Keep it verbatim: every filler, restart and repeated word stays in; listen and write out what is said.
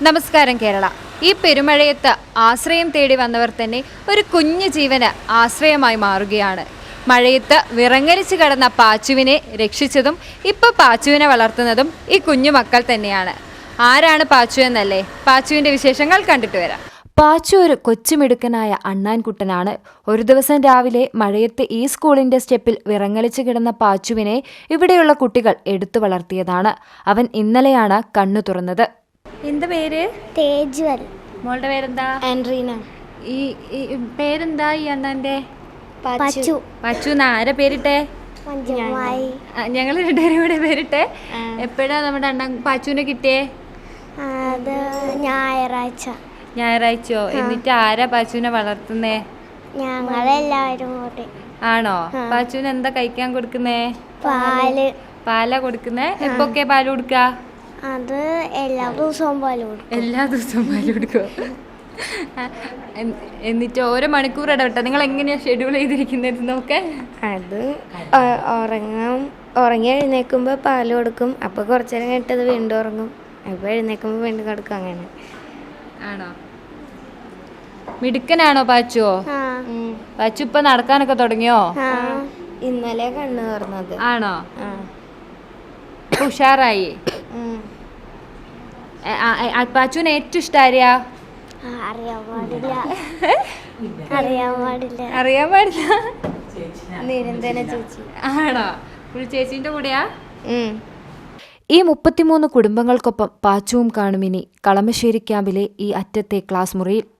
നമസ്കാരം കേരള. ഈ പെരുമഴയത്ത് ആശ്രയം തേടി വന്നവർ തന്നെ ഒരു കുഞ്ഞു ജീവന് ആശ്രയമായി മാറുകയാണ്. മഴയത്ത് വിറങ്ങലിച്ച് കിടന്ന പാച്ചുവിനെ രക്ഷിച്ചതും ഇപ്പോൾ പാച്ചുവിനെ വളർത്തുന്നതും ഈ കുഞ്ഞു മക്കൾ തന്നെയാണ്. ആരാണ് പാച്ചു എന്നല്ലേ? പാച്ചുവിൻ്റെ വിശേഷങ്ങൾ കണ്ടിട്ട് വരാം. പാച്ചു ഒരു കൊച്ചുമിടുക്കനായ അണ്ണാൻകുട്ടനാണ്. ഒരു ദിവസം രാവിലെ മഴയത്ത് ഈ സ്കൂളിന്റെ സ്റ്റെപ്പിൽ വിറങ്ങലിച്ച് കിടന്ന പാച്ചുവിനെ ഇവിടെയുള്ള കുട്ടികൾ എടുത്തു വളർത്തിയതാണ്. അവൻ ഇന്നലെയാണ് കണ്ണു തുറന്നത്. എന്താ പേര്? തേജ്വൽ. മോളുടെ പേരെന്താ? ആൻഡ്രീന. ഈ പേരെന്താ ഈ അണ്ണന്റെ? പച്ചു. പച്ചു ആരെ പേരിട്ടെ? ഞങ്ങൾ രണ്ടുപേരും കൂടെ പേരിട്ടെ. എപ്പോഴാ നമ്മുടെ അണ്ണൻ പാച്ചുവിനെ കിട്ടിയേ? അത് ഞായറാഴ്ച. ഞായറാഴ്ചയോ? എന്നിട്ട് ആരാ പാച്ചുവിനെ വളർത്തുന്നേ? ഞങ്ങളെല്ലാവരും കൂടി. ആണോ? പാച്ചുവിന് എന്താ കഴിക്കാൻ കൊടുക്കുന്നേ? പാല്. പാലാ കൊടുക്കുന്നേ? എപ്പൊക്കെ പാല് കൊടുക്ക? അത് എല്ലാ ദിവസവും പാല് കൊടുക്കും. എല്ലാ ദിവസവും പാല് കൊടുക്കും. എന്നിട്ട് ഓരോ മണിക്കൂർ ഇടവിട്ട നിങ്ങൾ എങ്ങനെയാ ഷെഡ്യൂൾ ചെയ്തിരിക്കുന്നത് നോക്കെ? അത് ഉറങ്ങാം, ഉറങ്ങി എഴുന്നേൽക്കുമ്പോൾ പാല് കൊടുക്കും. അപ്പോൾ കുറച്ചു നേരം കഴിഞ്ഞിട്ട് വീണ്ടും ഉറങ്ങും. അപ്പോൾ എഴുന്നേൽക്കുമ്പോൾ വീണ്ടും കൊടുക്കും. അങ്ങനെ. ആണോ? മിടുക്കനാണോ പാച്ചുവോ? പാച്ചു ഇപ്പൊ നടക്കാനൊക്കെ തുടങ്ങിയോ? ഇന്നലെ കണ്ണു തുറന്നത്. ആണോ? ഉഷാറായി. പാച്ചുവിന് ഏറ്റവും ഇഷ്ടം ആരെയാ? അറിയാൻ പാടില്ല. അറിയാൻ പാടില്ല. അറിയാൻ പാടില്ല. നിരന്തര ചേച്ചി. ആണോ? ചേച്ചിന്റെ കൂടെയാ? ഈ മുപ്പത്തിമൂന്ന് കുടുംബങ്ങൾക്കൊപ്പം പാച്ചുവും കാണുമിനി കളമശ്ശേരി ക്യാമ്പിലെ ഈ അറ്റത്തെ ക്ലാസ് മുറിയിൽ.